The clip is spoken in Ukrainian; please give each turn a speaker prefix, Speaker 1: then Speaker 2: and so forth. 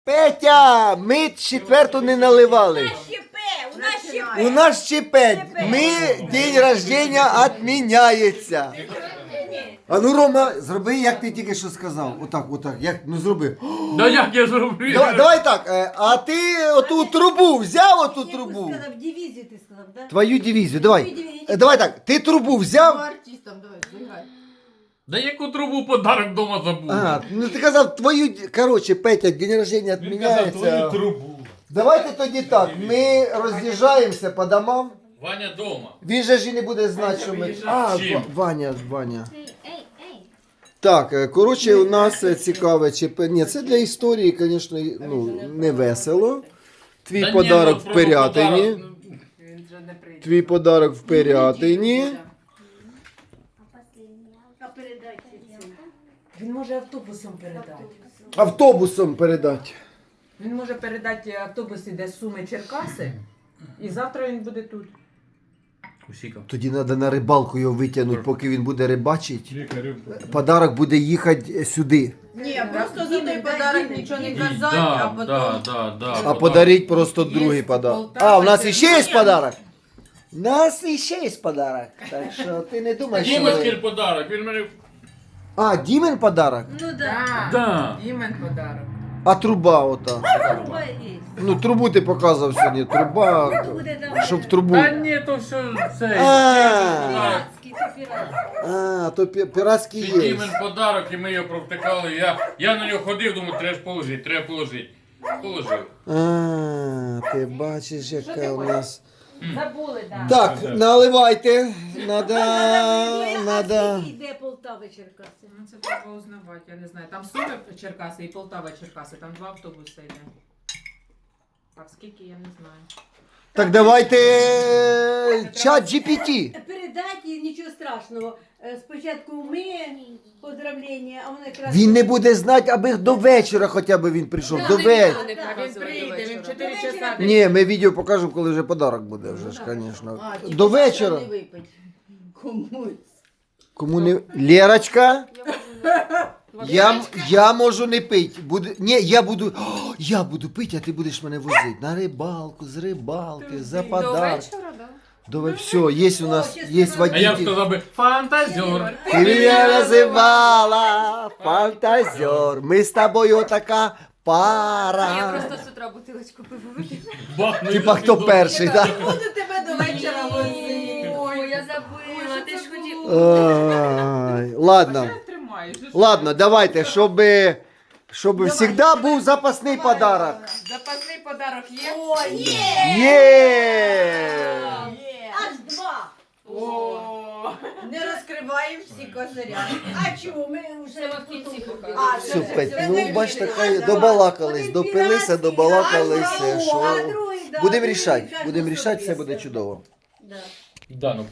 Speaker 1: Петя, ми четверту не наливали. У нас ЧП. Ми день рождения відміняється. А ну, Рома, зроби, як ти тільки що сказав. Отак. Як, ну зроби.
Speaker 2: Да як я зроблю?
Speaker 1: Давай так, а ти оту трубу взяв, оту трубу?
Speaker 3: Сказав, дивізію ти сказав, да?
Speaker 1: Твою дивізію, давай. Давай так, ти трубу взяв?
Speaker 4: Артистам, давай, збігай.
Speaker 2: Да яку трубу подарок вдома забув?
Speaker 1: А, ну ти казав твою, короче, Петя, день рождения
Speaker 2: Він казав твою
Speaker 1: відміняється.
Speaker 2: трубу.
Speaker 1: Давайте тоді так, ми роз'їжджаємося по домам.
Speaker 2: Ваня дома.
Speaker 1: Він же ж і не буде знати, що ми... А,
Speaker 2: Чим?
Speaker 1: Ваня. Так, коротше, у нас цікаве ЧП. Ні, це для історії, звісно, ну, не весело. Твій
Speaker 2: Та
Speaker 1: подарок
Speaker 2: ні, ну,
Speaker 1: в
Speaker 2: просто
Speaker 1: Пирятині.
Speaker 2: подарок,
Speaker 4: Він вже не прийде.
Speaker 1: Твій подарок в Пирятині.
Speaker 3: А передайте цим.
Speaker 4: Він може автобусом передати.
Speaker 1: Автобусом передати.
Speaker 4: Він може передати автобус, іде з Суми Черкаси, і завтра він буде тут.
Speaker 2: Усікав.
Speaker 1: Тоді треба на рибалку його витягнути, поки він буде рибачити.
Speaker 2: Лікарю.
Speaker 1: Подарок буде їхати сюди.
Speaker 4: Ні, просто за той
Speaker 3: Дімен,
Speaker 4: подарок
Speaker 3: Дімен,
Speaker 4: нічого не
Speaker 3: Дімен.
Speaker 4: казати, а потім...
Speaker 1: А подарить просто
Speaker 4: Є
Speaker 1: другий подарок.
Speaker 4: Полтава,
Speaker 1: А, у нас
Speaker 4: це-
Speaker 1: іще є подарок? У нас іще є подарок. Так що ти не думаєш, що
Speaker 2: Дімочкин
Speaker 1: ми...
Speaker 2: подарок, він мене...
Speaker 1: А, Дімен подарок?
Speaker 3: Ну да.
Speaker 4: Да.
Speaker 2: Да.
Speaker 4: Дімен подарок.
Speaker 1: А труба ота.
Speaker 3: Труба є.
Speaker 1: Ну, трубу ти показував сьогодні. Труба,
Speaker 3: Хто буде там?
Speaker 1: щоб в трубу.
Speaker 2: Та ні, то все це.
Speaker 1: А,
Speaker 3: Піратський, це піратський.
Speaker 1: то піратський
Speaker 2: Це
Speaker 1: є.
Speaker 2: Дімен подарок, і ми його провтикали. Я на нього ходив, думаю, треба ж положити. Положив.
Speaker 1: А, ти бачиш, яка у нас.
Speaker 4: Забули, да.
Speaker 1: Так, наливайте. Надо.
Speaker 3: А скільки йде Полтава Черкаси?
Speaker 4: Ну, це треба узнавати, я не знаю. Там Суми Черкаси і Полтава Черкаси, там 2 автобуси йде. А скільки, я не знаю.
Speaker 1: Так давайте чат GPT.
Speaker 3: Передайте, нічого страшного. Спочатку ми поздравлення, а воно якраз...
Speaker 1: Він не буде знати, аби до вечора хоча б він прийшов. До вечора.
Speaker 4: А він прийде, він в 4
Speaker 3: До вечора
Speaker 4: часа.
Speaker 1: Ні, ми відео покажемо, коли вже подарок буде, вже ж, звісно. До вечора.
Speaker 3: Комусь.
Speaker 1: Кому не... Лерочка? Я можу не пити. Ні, я буду пити, а ти будеш мене возити. На рибалку, з рибалки, за подарок. Все, є у нас, є
Speaker 2: А я б
Speaker 1: водитель.
Speaker 2: сказав би, фантазер.
Speaker 1: Ти мене називала фантазер. Ми з тобою така пара.
Speaker 5: З утра бутилочку пиву випила.
Speaker 2: Бахну.
Speaker 1: Типа хто перший, так?
Speaker 4: Буду тебе до вечора возити.
Speaker 5: Ой, я забыла, ти ж хотів.
Speaker 1: Ой, ладно.
Speaker 4: Тримаєш.
Speaker 1: Ладно, давайте, щоб завжди був запасний подарок.
Speaker 4: Запасний подарок є?
Speaker 3: О, є!
Speaker 1: Є!
Speaker 3: Аж 2.
Speaker 4: О, не розкриваємо всі козиря.
Speaker 3: А чому? Ми вже
Speaker 5: Це в кінці покажу.
Speaker 1: Все, Петь, ну бачите, хай добалакались, допилися, добалакалися, що... Будемо рішати, все буде чудово.
Speaker 3: Да.
Speaker 2: Да, ну